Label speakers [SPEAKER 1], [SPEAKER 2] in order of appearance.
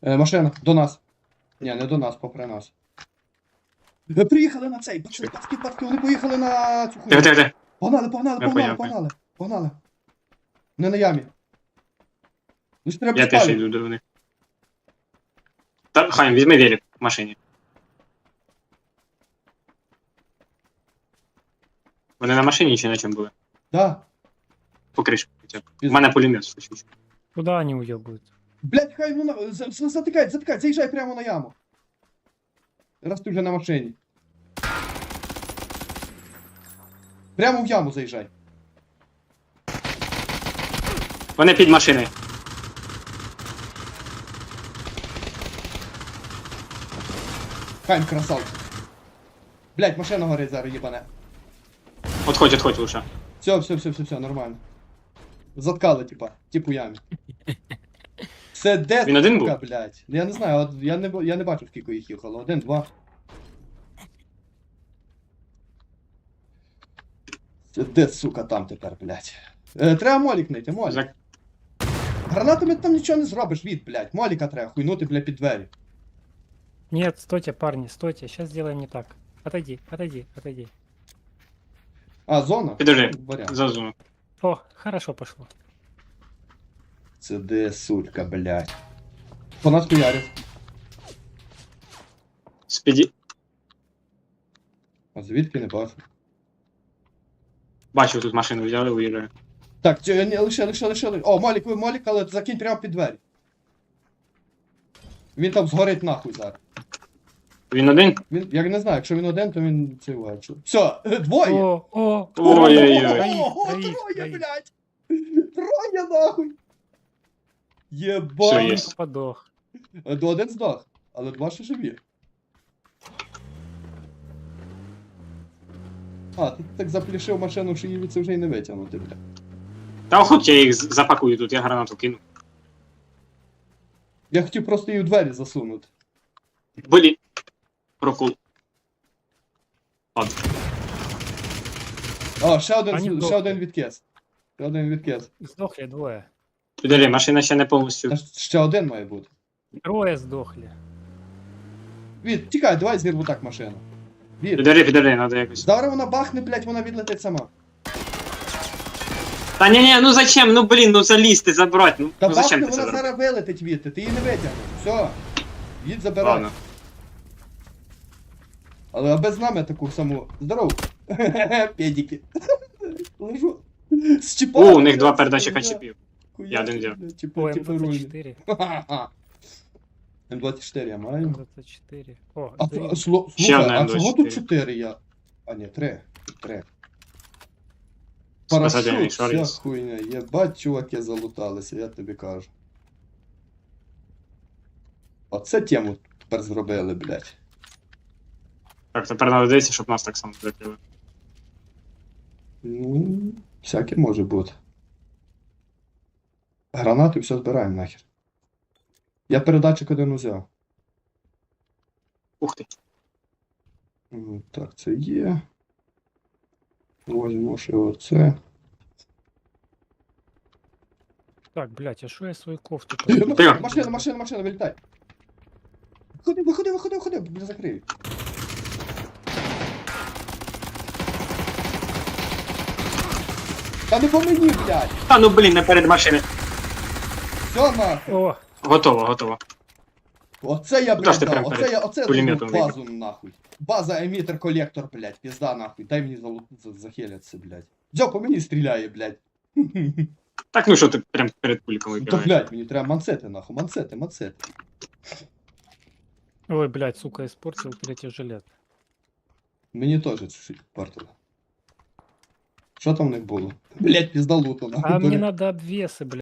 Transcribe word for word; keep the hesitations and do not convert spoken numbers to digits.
[SPEAKER 1] Е, машина, до нас. Ні, не до нас, попри нас. Е, приїхали на цей, пацки, пацки, пацки, вони поїхали на цю
[SPEAKER 2] Тихо,
[SPEAKER 1] хуйню.
[SPEAKER 2] тихо, тихо.
[SPEAKER 1] Погнали, погнали,
[SPEAKER 2] Я
[SPEAKER 1] погнали,
[SPEAKER 2] поняв,
[SPEAKER 1] погнали, погнали. Не на ямі. Ну ж треба
[SPEAKER 2] Я теж
[SPEAKER 1] спалювати.
[SPEAKER 2] йду до них. Та, Хайм, візьми велик в машині. Вони на машині чи на чому були?
[SPEAKER 1] Да.
[SPEAKER 2] По кришку хоча б. У мене пулемет случився.
[SPEAKER 3] Куда они уебают?
[SPEAKER 1] Блять, хай ну на... за- за- затикай, затикай, заїжджай прямо на яму. Раз ти вже на машині. Прямо в яму заїжджай.
[SPEAKER 2] Вони під машиною.
[SPEAKER 1] Хайм, красавчик. Блять, машина горить зараз, їбане.
[SPEAKER 2] Отходь, отходь лучше.
[SPEAKER 1] Все, все, все, все, все, нормально. Заткали, типа, типу ямі. Це де,
[SPEAKER 2] Він один
[SPEAKER 1] сука,
[SPEAKER 2] був?
[SPEAKER 1] блядь? Я не знаю, от я не, б- я не бачу, скільки їх їхало. Один, два. Це де, сука, там тепер, блядь? Е, треба молік знайти, молік.
[SPEAKER 2] За-
[SPEAKER 1] Гранатами там нічого не зробиш, від, блядь. Моліка треба хуйнути, блядь, під двері.
[SPEAKER 3] Нет, стойте, парни, стойте. Сейчас сделаем не так. Отойди, отойди, отойди.
[SPEAKER 1] А, зона?
[SPEAKER 2] Підожди,
[SPEAKER 1] Варіант.
[SPEAKER 2] зазу.
[SPEAKER 3] О, хорошо пошло.
[SPEAKER 1] Це де, сучка, блядь. По нас хуярить.
[SPEAKER 2] Спіді.
[SPEAKER 1] А звідки не бачу.
[SPEAKER 2] Бачу, тут машину взяли, уїжджаю.
[SPEAKER 1] Так, ці- ні, лише, лише, лише, лише. О, молік, ви молік, але закинь прямо під двері. Він там згорить нахуй зараз.
[SPEAKER 2] Він один?
[SPEAKER 1] Він, я не знаю, якщо він один, то він це вгачу. Все, двоє!
[SPEAKER 3] О, о,
[SPEAKER 2] Ой-ой-ой.
[SPEAKER 1] Ого,
[SPEAKER 3] Троїх,
[SPEAKER 1] троє,
[SPEAKER 3] троїх.
[SPEAKER 1] блядь! Троє нахуй!
[SPEAKER 2] Все,
[SPEAKER 1] Єбать!
[SPEAKER 2] є.
[SPEAKER 3] подох.
[SPEAKER 1] Е, до один здох, але два ще живі. А, ти так заплішив машину, що її це вже й не витягнути, бля.
[SPEAKER 2] Та охоть я їх з- запакую тут, я гранату кину.
[SPEAKER 1] Я хотів просто її в двері засунути.
[SPEAKER 2] Блін. Прокул. Ладно.
[SPEAKER 1] А, ще один,
[SPEAKER 3] Ані
[SPEAKER 1] ще
[SPEAKER 3] вдохли.
[SPEAKER 1] один відкис. Ще один відкис.
[SPEAKER 3] Сдохли двое.
[SPEAKER 2] Підожди, машина ще не повністю.
[SPEAKER 1] Та ж ще один має бути.
[SPEAKER 3] Трое сдохли.
[SPEAKER 1] Від, тікай, давай зірву так машину. Від.
[SPEAKER 2] Підожди, підожди, треба якось.
[SPEAKER 1] Зараз вона бахне, блядь, вона відлетить сама.
[SPEAKER 2] Та ні, ні, ну зачем? Ну блін, ну залізти, забрати. Ну,
[SPEAKER 1] Та
[SPEAKER 2] ну зачем
[SPEAKER 1] бахне,
[SPEAKER 2] ти це
[SPEAKER 1] вона
[SPEAKER 2] зробив?
[SPEAKER 1] зараз вилетить від, ти її не витягнеш. Все. Їдь забирай.
[SPEAKER 2] Ладно.
[SPEAKER 1] Але без нами таку саму. Здоров. Педики. Лежу. З
[SPEAKER 2] О,
[SPEAKER 1] чіпами,
[SPEAKER 2] у них два
[SPEAKER 1] блядь,
[SPEAKER 2] передатчика
[SPEAKER 1] хуя.
[SPEAKER 2] чіпів.
[SPEAKER 1] Хуя,
[SPEAKER 2] Я один взяв.
[SPEAKER 1] блядь, чіпи-
[SPEAKER 3] О,
[SPEAKER 1] чіпи
[SPEAKER 3] М
[SPEAKER 1] рульні.
[SPEAKER 3] двадцать четыре.
[SPEAKER 1] М двадцять чотири я маю.
[SPEAKER 3] М двадцать четыре. О,
[SPEAKER 1] А,
[SPEAKER 3] да
[SPEAKER 1] а, сло-
[SPEAKER 2] Ще
[SPEAKER 1] слухай,
[SPEAKER 2] одна
[SPEAKER 1] а
[SPEAKER 2] М
[SPEAKER 1] чого
[SPEAKER 2] двадцять
[SPEAKER 1] тут
[SPEAKER 2] чотири?
[SPEAKER 1] чотири я? А, ні, три. Три.
[SPEAKER 2] Спасательний
[SPEAKER 1] Парашут,
[SPEAKER 2] шар
[SPEAKER 1] вся
[SPEAKER 2] є.
[SPEAKER 1] хуйня. Єбать, чуваки залуталися, я тобі кажу. Оце тему тепер зробили, блядь.
[SPEAKER 2] Так, тепер треба дивитися, щоб нас так само закрили.
[SPEAKER 1] Ну, всяке може бути. Гранати все збираємо нахер. Я передатчик один узяв.
[SPEAKER 2] Ух ти.
[SPEAKER 1] М, Так, це є. Возьму ще оце.
[SPEAKER 3] Так, блядь, а что я свою кофту
[SPEAKER 1] Машина,
[SPEAKER 2] Тихо.
[SPEAKER 1] машина, машина, машина, вилітай. Виходи, виходи, виходи, виходи, бля, закрию. Та не по мені, блядь!
[SPEAKER 2] Та ну блін, не перед машиною.
[SPEAKER 1] Все нахуй!
[SPEAKER 3] О,
[SPEAKER 2] Готово, готово.
[SPEAKER 1] Оце я,
[SPEAKER 2] Куда
[SPEAKER 1] блядь,
[SPEAKER 2] ж ти
[SPEAKER 1] дав,
[SPEAKER 2] прям
[SPEAKER 1] оце
[SPEAKER 2] перед
[SPEAKER 1] я, оце я
[SPEAKER 2] пулеметом
[SPEAKER 1] даю базу нахуй. База, емітер, колектор, блядь, пізда нахуй. Дай мені залу- за- захиляться, блядь. Дзьо, по мені стріляє, блядь.
[SPEAKER 2] Так ну що ти прям перед пульком
[SPEAKER 1] Та,
[SPEAKER 2] вибираєш?
[SPEAKER 1] блядь, мені треба мансети, нахуй, мансети, мансети.
[SPEAKER 3] ой, блядь, сука, испортил третий жилет.
[SPEAKER 1] Мені теж чуть-чуть портило. Що там в них було? Блядь, пізда лутана.
[SPEAKER 3] А мне надо обвесы, блядь.